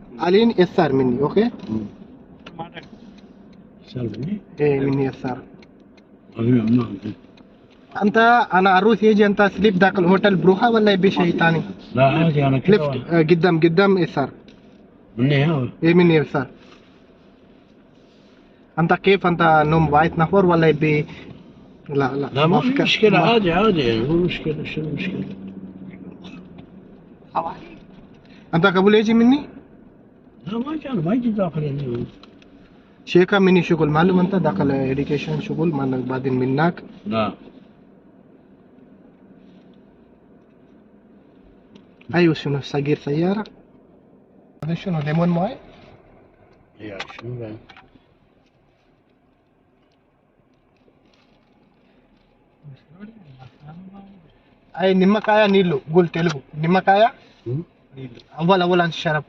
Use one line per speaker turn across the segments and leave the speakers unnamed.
Alin SR Mini, okay?
Salve.
Mini SR.
أنا
أنت أنا أروح يجي أنت سليب ذاك الهوتيل بروحة ولا يبي شيء ثاني؟
لا عادي أنا كده
ليفت قدام SR.
مني هوا.
Mini SR. أنت كيف أنت نوم وايت نفر ولا يبي؟
لا ما في مشكلة عادي يعني مو مشكلة شو المشكلة؟
أنت قبل يجي مني؟
لا ما يجي داخل اليوم.
شيكا مني شغل معلوم أنت داخل إديكيشن شغل ما بعدين منك.
لا.
أيوة شنو صغير سيارة؟ هذا شنو ليمون ماي؟
يا شنو بعد؟
أي నిమ్మకాయ నీళ్ళు قول తెలుగు నిమ్మకాయ أول عن الشرب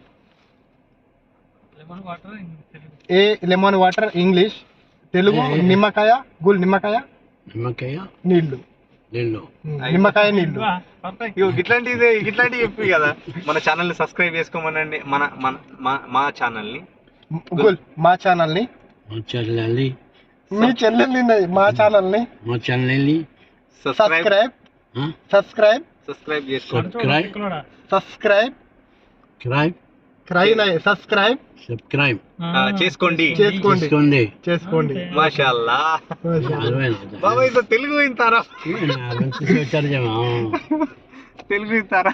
lemon water English Telugu నిమ్మకాయ قول నిమ్మకాయ నీళ్ళు నిమ్మకాయ నీళ్ళు
ఇట్లాంటివి చెప్పి కదా మన ఛానల్ ని సబ్స్క్రైబ్ చేసుకోమనండి మా ఛానల్ ని
قول మా ఛానల్ ని మీ చెల్లెల్ని మా ఛానల్ ని సబ్స్క్రైబ్ చేసుకోండి చేసుకోండి
మాషాల్లా బాబా ఇంత తెలుగు వింటారా తెలుగు వింటారా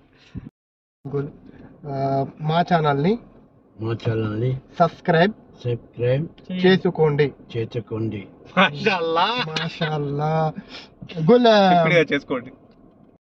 మా ఛానల్ ని సబ్స్క్రైబ్ చేసుకోండి
మాషాల్లా
మాషాల్లా గుల్
చేసుకోండి